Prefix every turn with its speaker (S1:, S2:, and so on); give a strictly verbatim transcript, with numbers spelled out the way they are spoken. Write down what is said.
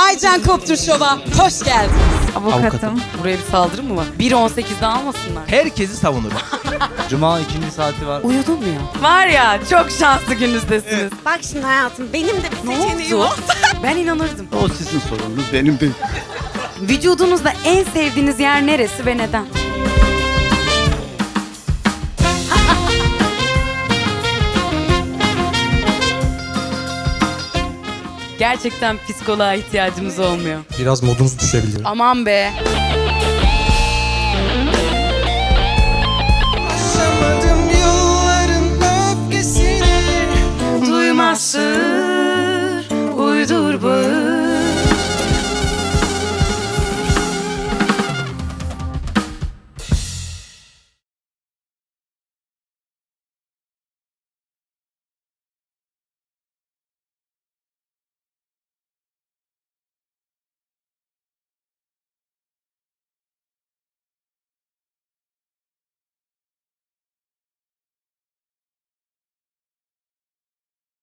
S1: Aycan Koptur Şov'a hoş geldin.
S2: Avukatım.
S3: Avukatım.
S2: Buraya bir saldırı mı var? bir on sekizde almasınlar.
S4: Herkesi savunurum.
S3: Cuma ikinci saati var.
S2: Uyudun mu ya? Var ya, çok şanslı gününüzdesiniz.
S1: Bak şimdi hayatım, benim de bir
S2: Ne
S1: seçeneğim
S2: oldu?
S1: oldu.
S2: Ben inanırdım.
S5: O sizin sorununuz, benim değil.
S2: Vücudunuzda en sevdiğiniz yer neresi ve neden? Gerçekten psikoloğa ihtiyacımız olmuyor.
S6: Biraz modunuz düşebilir.
S2: Aman be.
S7: Yaşamadım yılların öfkesini.
S2: Duymaz sır, uydur bağır.